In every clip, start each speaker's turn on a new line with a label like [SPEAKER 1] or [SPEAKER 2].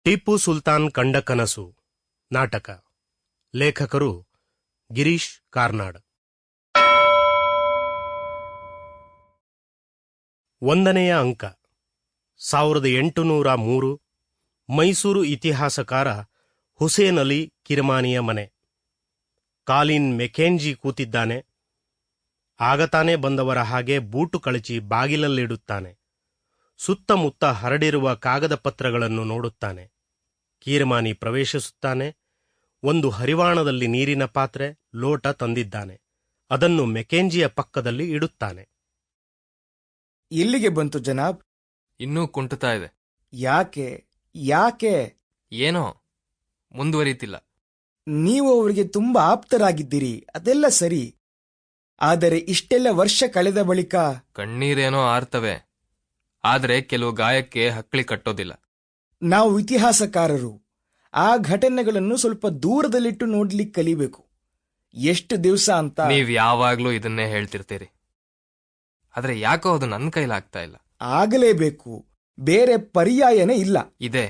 [SPEAKER 1] ಟಿಪ್ಪು ಸುಲ್ತಾನ್ ಕಂಡ ಕನಸು ನಾಟಕ. ಲೇಖಕರು ಗಿರೀಶ್ ಕಾರ್ನಾಡ್. 1ನೇ ಅಂಕ. 1803 ಮೈಸೂರು ಇತಿಹಾಸಕಾರ ಹುಸೇನ್ ಅಲಿ ಕಿರಮಾನಿಯ ಮನೆ. ಕಾಲಿನ್ ಮೆಕೆಂಜಿ ಕೂತಿದ್ದಾನೆ. ಆಗತಾನೆ ಬಂದವರ ಹಾಗೆ ಬೂಟು ಕಳಚಿ ಬಾಗಿಲಲ್ಲಿಡುತ್ತಾನೆ. ಸುತ್ತಮುತ್ತ ಹರಡಿರುವ ಕಾಗದ ಪತ್ರಗಳನ್ನು ನೋಡುತ್ತಾನೆ. ಕೀರಮಾನಿ ಪ್ರವೇಶಿಸುತ್ತಾನೆ. ಒಂದು ಹರಿವಾಣದಲ್ಲಿ ನೀರಿನ ಪಾತ್ರೆ, ಲೋಟ ತಂದಿದ್ದಾನೆ. ಅದನ್ನು ಮೆಕೆಂಜಿಯ ಪಕ್ಕದಲ್ಲಿ ಇಡುತ್ತಾನೆ.
[SPEAKER 2] ಎಲ್ಲಿಗೆ ಬಂತು ಜನಾಬ್?
[SPEAKER 3] ಇನ್ನೂ ಕುಂಟುತ್ತಾ ಇದೆ.
[SPEAKER 2] ಯಾಕೆ ಯಾಕೆ?
[SPEAKER 3] ಏನೋ ಮುಂದುವರಿಯುತ್ತಿಲ್ಲ.
[SPEAKER 2] ನೀವು ಅವರಿಗೆ ತುಂಬಾ ಆಪ್ತರಾಗಿದ್ದೀರಿ, ಅದೆಲ್ಲ ಸರಿ. ಆದರೆ ಇಷ್ಟೆಲ್ಲ ವರ್ಷ ಕಳೆದ ಬಳಿಕ
[SPEAKER 3] ಕಣ್ಣೀರೇನೋ ಆರ್ತವೆ, ಆದರೆ ಕೆಲವು ಗಾಯಕ್ಕೆ ಹಕ್ಕಳಿ ಕಟ್ಟೋದಿಲ್ಲ.
[SPEAKER 2] ನಾವು ಇತಿಹಾಸಕಾರರು ಆ ಘಟನೆಗಳನ್ನು ಸ್ವಲ್ಪ ದೂರದಲ್ಲಿಟ್ಟು ನೋಡ್ಲಿಕ್ಕೆ ಕಲಿಬೇಕು. ಎಷ್ಟು ದಿವಸ ಅಂತ
[SPEAKER 3] ನೀವ್ ಯಾವಾಗ್ಲೂ ಇದನ್ನೇ ಹೇಳ್ತಿರ್ತೀರಿ. ಆದ್ರೆ ಯಾಕೋ ಅದು ನನ್ನ ಕೈಲಾಗ್ತಾ ಇಲ್ಲ.
[SPEAKER 2] ಆಗಲೇಬೇಕು, ಬೇರೆ ಪರ್ಯಾಯನೇ ಇಲ್ಲ.
[SPEAKER 3] ಇದೆ.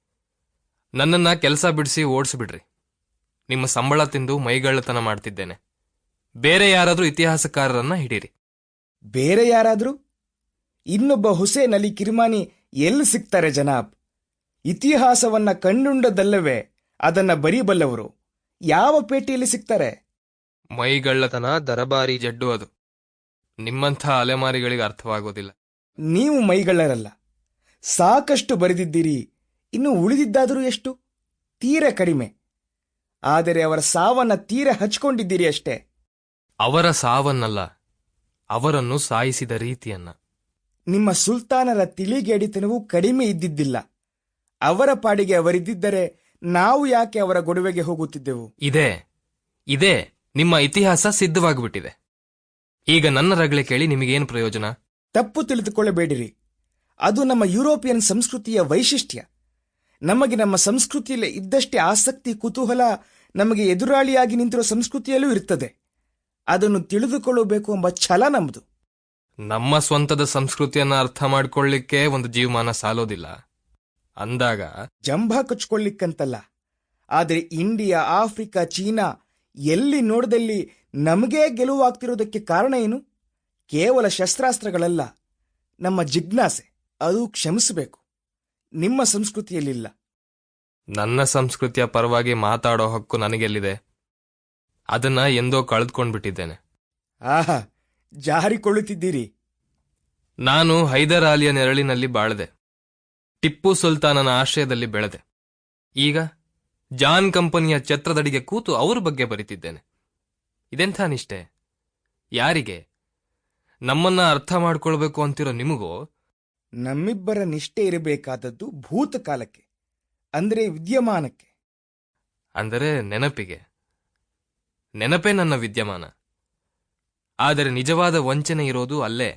[SPEAKER 3] ನನ್ನನ್ನ ಕೆಲಸ ಬಿಡಿಸಿ ಓಡಿಸ್ಬಿಡ್ರಿ. ನಿಮ್ಮ ಸಂಬಳ ತಿಂದು ಮೈಗಳ್ಳತನ ಮಾಡ್ತಿದ್ದೇನೆ. ಬೇರೆ ಯಾರಾದ್ರೂ ಇತಿಹಾಸಕಾರರನ್ನ ಹಿಡೀರಿ.
[SPEAKER 2] ಬೇರೆ ಯಾರಾದ್ರೂ? ಇನ್ನೊಬ್ಬ ಹುಸೇನ್ ಅಲಿ ಕಿರ್ಮಾನಿ ಎಲ್ಲಿ ಸಿಗ್ತಾರೆ ಜನಾಬ್? ಇತಿಹಾಸವನ್ನ ಕಂಡುಂಡದಲ್ಲವೇ ಅದನ್ನ ಬರೀಬಲ್ಲವರು ಯಾವ ಪೇಟೆಯಲ್ಲಿ ಸಿಗ್ತಾರೆ?
[SPEAKER 3] ಮೈಗಳ್ಳತನ ದರಬಾರಿ ಜಡ್ಡು ಅದು. ನಿಮ್ಮಂಥ ಅಲೆಮಾರಿಗಳಿಗೆ ಅರ್ಥವಾಗೋದಿಲ್ಲ.
[SPEAKER 2] ನೀವು ಮೈಗಳ್ಳರಲ್ಲ, ಸಾಕಷ್ಟು ಬರೆದಿದ್ದೀರಿ. ಇನ್ನು ಉಳಿದಿದ್ದಾದರೂ ಎಷ್ಟು? ತೀರ ಕಡಿಮೆ. ಆದರೆ ಅವರ ಸಾವನ್ನ ತೀರ ಹಚ್ಕೊಂಡಿದ್ದೀರಿ ಅಷ್ಟೇ.
[SPEAKER 3] ಅವರ ಸಾವನ್ನಲ್ಲ, ಅವರನ್ನು ಸಾಯಿಸಿದ ರೀತಿಯನ್ನ.
[SPEAKER 2] ನಿಮ್ಮ ಸುಲ್ತಾನರ ತಿಳಿಗೇಡಿತನವೂ ಕಡಿಮೆ ಇದ್ದಿದ್ದಿಲ್ಲ. ಅವರ ಪಾಡಿಗೆ ಅವರಿದ್ದರೆ ನಾವು ಯಾಕೆ ಅವರ ಗೊಡವೆಗೆ ಹೋಗುತ್ತಿದ್ದೆವು?
[SPEAKER 3] ಇದೇ ನಿಮ್ಮ ಇತಿಹಾಸ ಸಿದ್ಧವಾಗಿಬಿಟ್ಟಿದೆ. ಈಗ ನನ್ನ ರಗಳೆ ಕೇಳಿ ನಿಮಗೇನು ಪ್ರಯೋಜನ?
[SPEAKER 2] ತಪ್ಪು ತಿಳಿದುಕೊಳ್ಳಬೇಡಿರಿ. ಅದು ನಮ್ಮ ಯುರೋಪಿಯನ್ ಸಂಸ್ಕೃತಿಯ ವೈಶಿಷ್ಟ್ಯ. ನಮಗೆ ನಮ್ಮ ಸಂಸ್ಕೃತಿಯಲ್ಲಿ ಇದ್ದಷ್ಟೇ ಆಸಕ್ತಿ, ಕುತೂಹಲ ನಮಗೆ ಎದುರಾಳಿಯಾಗಿ ನಿಂತಿರುವ ಸಂಸ್ಕೃತಿಯಲ್ಲೂ ಇರ್ತದೆ. ಅದನ್ನು ತಿಳಿದುಕೊಳ್ಳಬೇಕು ಎಂಬ ಛಲ ನಮ್ಮದು.
[SPEAKER 3] ನಮ್ಮ ಸ್ವಂತದ ಸಂಸ್ಕೃತಿಯನ್ನ ಅರ್ಥ ಮಾಡಿಕೊಳ್ಳಿಕ್ಕೆ ಒಂದು ಜೀವಮಾನ ಸಾಲೋದಿಲ್ಲ ಅಂದಾಗ
[SPEAKER 2] ಜಂಭ ಕಚ್ಕೊಳ್ಳಿಕ್ಕಂತಲ್ಲ. ಆದರೆ ಇಂಡಿಯಾ, ಆಫ್ರಿಕಾ, ಚೀನಾ ಎಲ್ಲಿ ನೋಡದಲ್ಲಿ ನಮಗೇ ಗೆಲುವಾಗ್ತಿರೋದಕ್ಕೆ ಕಾರಣ ಏನು? ಕೇವಲ ಶಸ್ತ್ರಾಸ್ತ್ರಗಳಲ್ಲ, ನಮ್ಮ ಜಿಜ್ಞಾಸೆ. ಅದು ಕ್ಷಮಿಸಬೇಕು, ನಿಮ್ಮ ಸಂಸ್ಕೃತಿಯಲ್ಲಿಲ್ಲ.
[SPEAKER 3] ನನ್ನ ಸಂಸ್ಕೃತಿಯ ಪರವಾಗಿ ಮಾತಾಡೋ ಹಕ್ಕು ನನಗೆಲ್ಲಿದೆ? ಅದನ್ನ ಎಂದೋ ಕಳೆದುಕೊಂಡ್ಬಿಟ್ಟಿದ್ದೇನೆ.
[SPEAKER 2] ಆಹಾ, ಜಾರಿಕೊಳ್ಳುತ್ತಿದ್ದೀರಿ.
[SPEAKER 3] ನಾನು ಹೈದರ್ ಅಲಿಯ ನೆರಳಿನಲ್ಲಿ ಬಾಳದೆ, ಟಿಪ್ಪು ಸುಲ್ತಾನನ ಆಶ್ರಯದಲ್ಲಿ ಬೆಳೆದೆ. ಈಗ ಜಾನ್ ಕಂಪನಿಯ ಛತ್ರದಡಿಗೆ ಕೂತು ಅವ್ರ ಬಗ್ಗೆ ಬರಿತಿದ್ದೇನೆ. ಇದೆಂಥ ನಿಷ್ಠೆ? ಯಾರಿಗೆ? ನಮ್ಮನ್ನ ಅರ್ಥ ಮಾಡ್ಕೊಳ್ಬೇಕು ಅಂತಿರೋ ನಿಮಗೋ?
[SPEAKER 2] ನಮ್ಮಿಬ್ಬರ ನಿಷ್ಠೆ ಇರಬೇಕಾದದ್ದು ಭೂತಕಾಲಕ್ಕೆ, ಅಂದರೆ ವಿದ್ಯಮಾನಕ್ಕೆ.
[SPEAKER 3] ಅಂದರೆ ನೆನಪಿಗೆ. ನೆನಪೇ ನನ್ನ ವಿದ್ಯಮಾನ. ಆದರೆ ನಿಜವಾದ ವಂಚನೆ ಇರೋದು ಅಲ್ಲೇ.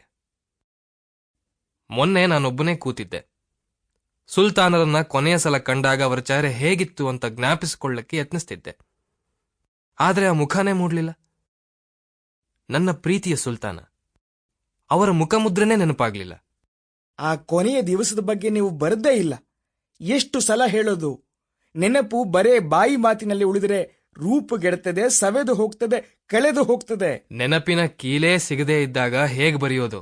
[SPEAKER 3] ಮೊನ್ನೆ ನಾನೊಬ್ಬನೇ ಕೂತಿದ್ದೆ. ಸುಲ್ತಾನರನ್ನ ಕೊನೆಯ ಸಲ ಕಂಡಾಗ ಅವರ ಚಹರೆ ಹೇಗಿತ್ತು ಅಂತ ಜ್ಞಾಪಿಸಿಕೊಳ್ಳಕ್ಕೆ ಯತ್ನಿಸ್ತಿದ್ದೆ. ಆದರೆ ಆ ಮುಖನೇ ಮೂಡ್ಲಿಲ್ಲ. ನನ್ನ ಪ್ರೀತಿಯ ಸುಲ್ತಾನ, ಅವರ ಮುಖಮುದ್ರೆನೇ ನೆನಪಾಗ್ಲಿಲ್ಲ.
[SPEAKER 2] ಆ ಕೊನೆಯ ದಿವಸದ ಬಗ್ಗೆ ನೀವು ಬರದೇ ಇಲ್ಲ. ಎಷ್ಟು ಸಲ ಹೇಳೋದು? ನೆನಪು ಬರೇ ಬಾಯಿ ಮಾತಿನಲ್ಲಿ ಉಳಿದರೆ ರೂಪುಗೆಡುತ್ತದೆ, ಸವೆದು ಹೋಗ್ತದೆ, ಕಳೆದು ಹೋಗ್ತದೆ.
[SPEAKER 3] ನೆನಪಿನ ಕೀಲೇ ಸಿಗದೇ ಇದ್ದಾಗ ಹೇಗೆ ಬರೆಯೋದು?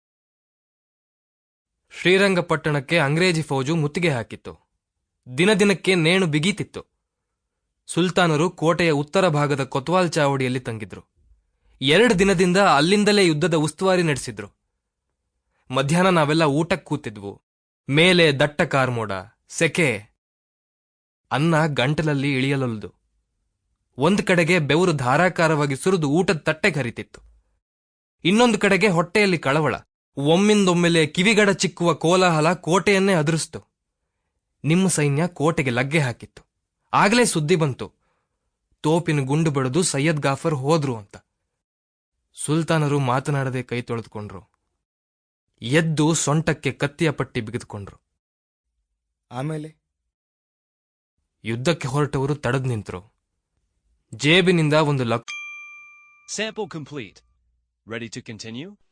[SPEAKER 3] ಶ್ರೀರಂಗಪಟ್ಟಣಕ್ಕೆ ಅಂಗ್ರೇಜಿ ಫೌಜು ಮುತ್ತಿಗೆ ಹಾಕಿತ್ತು. ದಿನದಿನಕ್ಕೆ ನೇಣು ಬಿಗೀತಿತ್ತು. ಸುಲ್ತಾನರು ಕೋಟೆಯ ಉತ್ತರ ಭಾಗದ ಕೊತ್ವಾಲ್ ಚಾವಡಿಯಲ್ಲಿ ತಂಗಿದ್ರು. 2 ದಿನದಿಂದ ಅಲ್ಲಿಂದಲೇ ಯುದ್ಧದ ಉಸ್ತುವಾರಿ ನಡೆಸಿದ್ರು. ಮಧ್ಯಾಹ್ನ ನಾವೆಲ್ಲ ಊಟಕ್ಕೆ ಕೂತಿದ್ವು. ಮೇಲೆ ದಟ್ಟ ಕಾರ್ಮೋಡ, ಸೆಕೆ. ಅನ್ನ ಗಂಟಲಲ್ಲಿ ಇಳಿಯಲೊಲ್ದು. ಒಂದು ಕಡೆಗೆ ಬೆವರು ಧಾರಾಕಾರವಾಗಿ ಸುರಿದು ಊಟದ ತಟ್ಟೆಗೆ ಹರಿತಿತ್ತು. ಇನ್ನೊಂದು ಕಡೆಗೆ ಹೊಟ್ಟೆಯಲ್ಲಿ ಕಳವಳ. ಒಮ್ಮಿಂದೊಮ್ಮೆಲೆ ಕಿವಿಗಡ ಚಿಕ್ಕುವ ಕೋಲಾಹಲ ಕೋಟೆಯನ್ನೇ ಅದುರಿಸ್ತು. ನಿಮ್ಮ ಸೈನ್ಯ ಕೋಟೆಗೆ ಲಗ್ಗೆ ಹಾಕಿತ್ತು. ಆಗಲೇ ಸುದ್ದಿ ಬಂತು, ತೋಪಿನ ಗುಂಡು ಬಡಿದು ಸೈಯದ್ ಗಾಫರ್ ಹೋದ್ರು ಅಂತ. ಸುಲ್ತಾನರು ಮಾತನಾಡದೆ ಕೈ ತೊಳೆದುಕೊಂಡ್ರು. ಎದ್ದು ಸೊಂಟಕ್ಕೆ ಕತ್ತಿಯ ಪಟ್ಟಿ ಬಿಗಿದುಕೊಂಡ್ರು.
[SPEAKER 2] ಆಮೇಲೆ
[SPEAKER 3] ಯುದ್ಧಕ್ಕೆ ಹೊರಟವರು ತಡೆದು ನಿಂತರು. ಜೇಬಿನಿಂದ ಒಂದು
[SPEAKER 4] Sample complete. Ready to continue?